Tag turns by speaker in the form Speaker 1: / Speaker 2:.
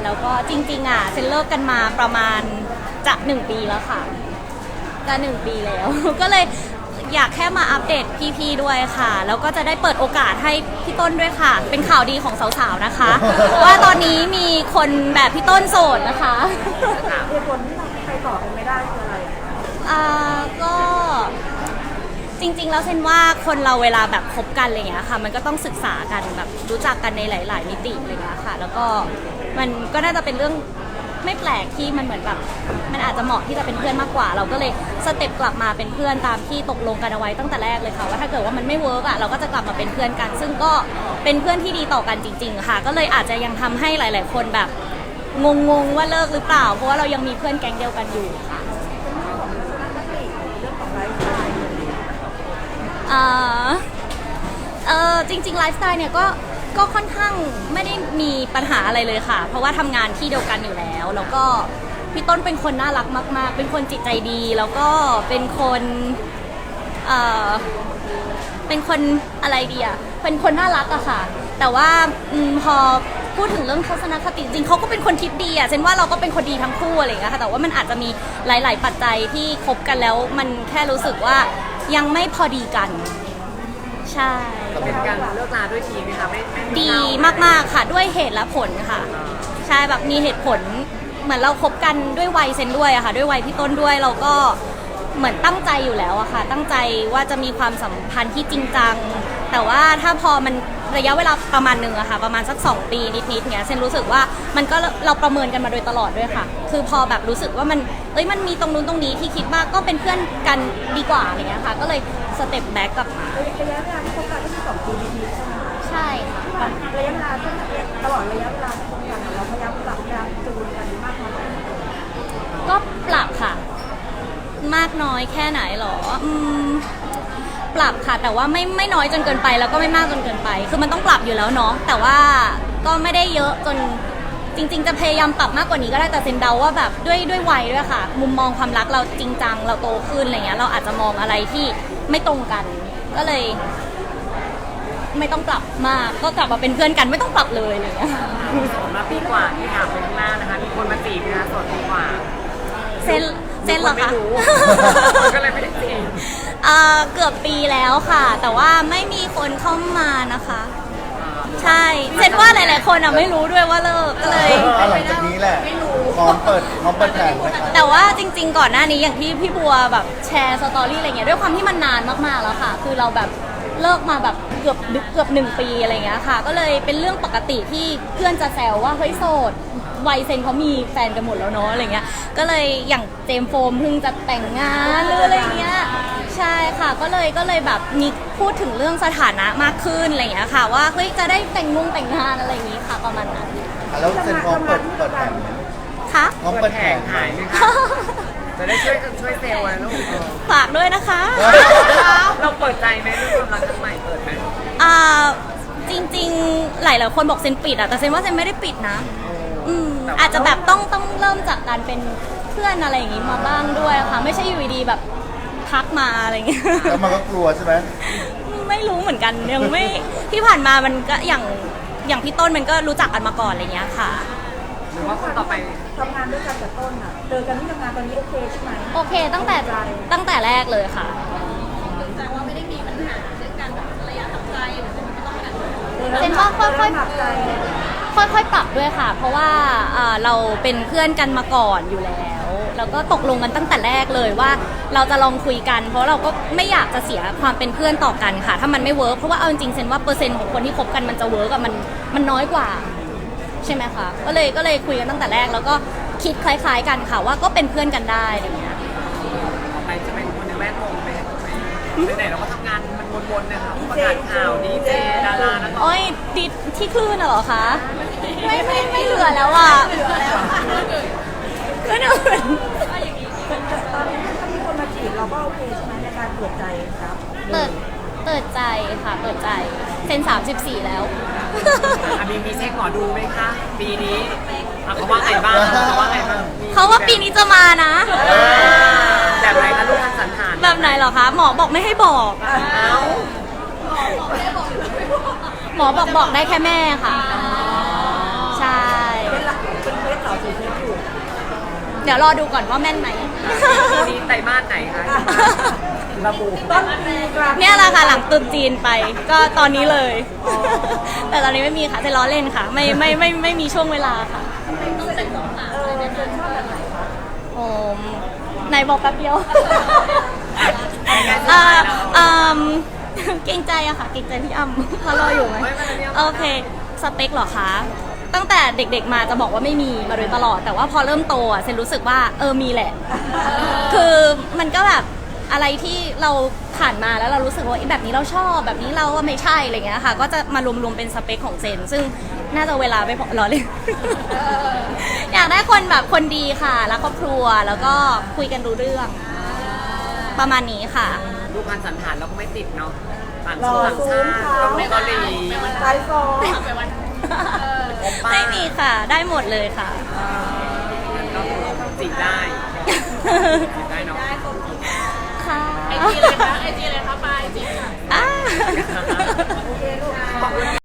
Speaker 1: แล้วก็จริงๆเซนเลิกกันมาประมาณจะ1 ปีแล้วค่ะจะ1 ปีแล้ว ก็เลยอยากแค่มาอัปเดตพี่ๆด้วยค่ะแล้วก็จะได้เปิดโอกาสให้พี่ต้นด้วยค่ะเป็นข่าวดีของสาวๆนะคะ ว่าตอนนี้มีคนแบบพี่ต้นโสดนะคะ
Speaker 2: เหตุผลที่เราไปต่อกันไม่ได้คืออะไร
Speaker 1: ก็จริงๆแล้วเซนว่าคนเราเวลาแบบคบกันอะไรเงี้ยค่ะมันก็ต้องศึกษากันแบบรู้จักกันในหลายๆมิติอะไรเงี้ยค่ะแล้วก็มันก็น่าจะเป็นเรื่องไม่แปลกที่มันเหมือนแบบมันอาจจะเหมาะที่จะเป็นเพื่อนมากกว่าเราก็เลยสเต็ปกลับมาเป็นเพื่อนตามที่ตกลงกันเอาไว้ตั้งแต่แรกเลยค่ะว่าถ้าเกิดว่ามันไม่เวิร์กเราก็จะกลับมาเป็นเพื่อนกันซึ่งก็เป็นเพื่อนที่ดีต่อกันจริงๆค่ะก็เลยอาจจะยังทำให้หลายๆคนแบบงงๆว่าเลิกหรือเปล่าเพราะว่าเรายังมีเพื่อนแก๊งเดียวกันอยู่ค่ะจริงๆไลฟ์สไตล์เนี่ยก็ค่อนข้างไม่ได้มีปัญหาอะไรเลยค่ะเพราะว่าทำงานที่เดียวกันอยู่แล้วแล้วก็พี่ต้นเป็นคนน่ารักมากๆเป็นคนจิตใจดีแล้วก็เป็นคนเป็นคนอะไรดีอะเป็นคนน่ารักอะค่ะแต่ว่าพอพูดถึงเรื่องทัศนคติจริงเขาก็เป็นคนคิดดีอะเช่นว่าเราก็เป็นคนดีทั้งคู่อะไรอย่างเงี้ยค่ะแต่ว่ามันอาจจะมีหลายๆปัจจัยที่คบกันแล้วมันแค่รู้สึกว่ายังไม่พอดีกันใช่
Speaker 3: เป็นการเลิกลาด้วยทีไหมคะไม่
Speaker 1: ดีมากๆค่ะด้วยเหตุและผลค่ะใช่แบบมีเหตุผลเหมือนเราคบกันด้วยวัยเซนด้วยอะค่ะด้วยวัยพี่ต้นด้วยเราก็เหมือนตั้งใจอยู่แล้วอะค่ะตั้งใจว่าจะมีความสัมพันธ์ที่จริงจังแต่ว่าถ้าพอมันระยะเวลาประมาณนึงอะค่ะประมาณสัก2 ปีนิดๆเนี้ยเซนรู้สึกว่ามันก็เราประเมินกันมาโดยตลอดด้วยค่ะคือพอแบบรู้สึกว่ามันมีตรงนู้นตรงนี้ที่คิดว่าก็เป็นเพื่อนกันดีกว่าอะไรเงี้ยค่ะก็เลยสเต็ปแบ็กกลับมา
Speaker 2: ระยะเวลาที่คบกันก็คือ2 ปีนิดๆใช่ไหม
Speaker 1: ใช่ค่ะ
Speaker 2: ระยะเวลาตลอดระยะเวลาที่คบกันเราพยายามปรับพยายามจูนกันมากน้อย
Speaker 1: ก็ปรับค่ะมากน้อยแค่ไหนหรอปรับค่ะแต่ว่าไม่น้อยจนเกินไปแล้วก็ไม่มากจนเกินไปคือมันต้องปรับอยู่แล้วเนาะแต่ว่าก็ไม่ได้เยอะจนจริงๆจะพยายามปรับมากกว่านี้ก็ได้แต่เซนเดาว่าแบบด้วยวัยด้วยค่ะมุมมองความรักเราจริงจังเราโตขึ้นอะไรเงี้ยเราอาจจะมองอะไรที่ไม่ตรงกันก็เลยไม่ต้องปรับมากก็กลับมาเป็นเพื่อนกันไม่ต้องปรับเลยอะไรเงี้ย
Speaker 3: มาปีกว่าที่ถามไปข้างหน้านะคะมีคนมาจีบนะคะสดปีกว่า
Speaker 1: เซนเหรอคะ
Speaker 3: ก็เลยไม่ได้จีบ
Speaker 1: เกือบปีแล้วค่ะแต่ว่าไม่มีคนเข้ามานะคะใช่เซนว่าหลายๆคนไม่รู้ด้วยว่าเลิกก็เลย
Speaker 4: หลังจากนี้แหละพร้อมเปิดแผน
Speaker 1: แต่ว่าจริงๆก่อนหน้านี้อย่างที่พี่บัวแบบแชร์สตอรี่อะไรเงี้ยด้วยความที่มันนานมากๆแล้วค่ะคือเราแบบเลิกมาแบบเกือบ1 ปีอะไรเงี้ยค่ะก็เลยเป็นเรื่องปกติที่เพื่อนจะแซวว่าเฮ้ยโสดวัยเซนเขามีแฟนกันหมดแล้วเนาะอะไรเงี้ยก็เลยอย่างเจมส์โฟมเพิ่งจะแต่งงานหรืออะไรเงี้ยใช่ค่ะก็เลยแบบมีพูดถึงเรื่องสถานะมากขึ้นอะไรเงี้ยค่ะว่าเฮ้ยจะได้แต่งงานอะไรอย่างงี้ค่ะประมาณนั้น
Speaker 4: แล้วเซนพร้อมเปิดแผน
Speaker 1: ค่ะ
Speaker 4: พร้อมเปิดแผน
Speaker 3: หายไหมคะจะได้ช่วยเซลล์อะไรลูก
Speaker 1: ฝากด้วยนะคะ
Speaker 3: เราเปิดใจไหมเรื่องความรักครั้งใหม่เปิดไหม
Speaker 1: จริงๆหลายคนบอกเซนปิดแต่เซนว่าเซนไม่ได้ปิดนะอาจจะแบบต้องเริ่มจากการเป็นเพื่อนอะไรอย่างงี้มาบ้างด้วยค่ะไม่ใช่อยู่ดีแบบทักมาอะไรอย่างเงี้ย
Speaker 4: แล้วมันก็กลัวใช่ไหม
Speaker 1: ไม่รู้เหมือนกันยังไม่ที่ผ่านมามันก็อย่างพี่ต้นมันก็รู้จักกันมาก่อนอะไรเงี้ยค่ะ
Speaker 3: หรือว่าคนต่อไป
Speaker 2: ทำงานด้วยกันกับต้นเจอกันที่ทำงานตอนนี้โอเคใช่ไหม
Speaker 1: โอเคตั้งแต่แรกเลยค่ะแต่ว่าไม่ได้มีปัญหาเรื่องการแบบระยะทำใจหรือเซนว่าค่อยๆปรับด้วยค่ะเพราะว่าเราเป็นเพื่อนกันมาก่อนอยู่แล้วก็ตกลงกันตั้งแต่แรกเลยว่าเราจะลองคุยกันเพราะเราก็ไม่อยากจะเสียความเป็นเพื่อนต่อกันค่ะถ้ามันไม่เวิร์กเพราะว่าเอาจริงๆเซนว่าเปอร์เซ็นต์ของคนที่คบกันมันจะเวิร์กมันน้อยกว่าใช่ไหมคะก็เลยคุยกันตั้งแต่แรกแล้วก็คิดคล้ายๆกันค่ะว่าก็เป็นเพื่อนกันได้อะไรเงี้ย
Speaker 3: ต่อไปจะเป็นคนในแวดวงไปไหนเราก็ทำงานมันวนๆนะคะประกาศข่าวดีเจดารานักร้อง
Speaker 1: ดิที่คลื่นเหรอคะไม่เหลือแล้วอ่ะก็เนี่ย
Speaker 2: ตอนนี้ถ้ามีคนมาจีบเราก็โอเคใช่ไหมในการเปิดใจครับ
Speaker 1: เปิดใจค่ะเปิดใจเซน34แล้ว
Speaker 3: มีเช็คหมอดูไหมคะปีนี้เขาว่าไงบ้าง
Speaker 1: เขาว่าปีนี้จะมานะ
Speaker 3: แบบไหนคะลูกทางสันฐาน
Speaker 1: แบบไหนเหรอคะหมอบอกไม่ให้บอกหมอบอกได้แค่แม่ค่ะใช่
Speaker 2: เป็น
Speaker 1: เดี๋ยวรอดูก่อนว่าแม่นไหม
Speaker 3: ปีนี้ไตรมาสไหนคะระบุ
Speaker 2: ต้นปีกลาง
Speaker 1: เนี่ยแหละค่ะหลังตรุษจีนไปก็ตอนนี้เลย แต่ตอนนี้ไม่มีค่ะจะล้อเล่นค่ะ ไม่มีช่วงเวลาค่ะ
Speaker 2: ต้องแต่งตัวหาเจนชอบแบบไหนคะ
Speaker 1: โอ้ไหนบอกแป๊บเดียว เกรงใจอะค่ะเกรงใจพี่อ้ำเขารออยู่ไหมโอเคสเปคเหรอคะตั้งแต่เด็กๆมาจะบอกว่าไม่มีมาโดยตลอด แต่ว่าพอเริ่มโตอะเซนรู้สึกว่ามีแหละ คือมันก็แบบอะไรที่เราผ่านมาแล้วเรารู้สึกว่าแบบนี้เราชอบแบบนี้เราว่าไม่ใช่อะไรเงี้ยค่ะก็จะมารวมๆเป็นสเปคของเซนซึ่งน่าจะเวลาไม่พอรอเลย อยากได้คนแบบคนดีค่ะรักครอบครัวแล้วก็คุยกันรู้เรื่องประมาณนี้ค่ะ
Speaker 3: ดูพันสันฐานเราก็ไม่ติดเนาะต่าง
Speaker 2: หล่อ
Speaker 3: ต่าง
Speaker 2: สู
Speaker 3: ชาง ติ
Speaker 2: ขาว
Speaker 3: ต้องไม่เกาหลี
Speaker 2: ไซส์ฟอร์
Speaker 1: ไม่มีค่ะได้หมดเลยค่ะ
Speaker 3: เราจีบได้จีบได้เนาะ
Speaker 1: ค่ะ
Speaker 5: ไอจีเลยคะไอจีเลยคะปายจีบใคร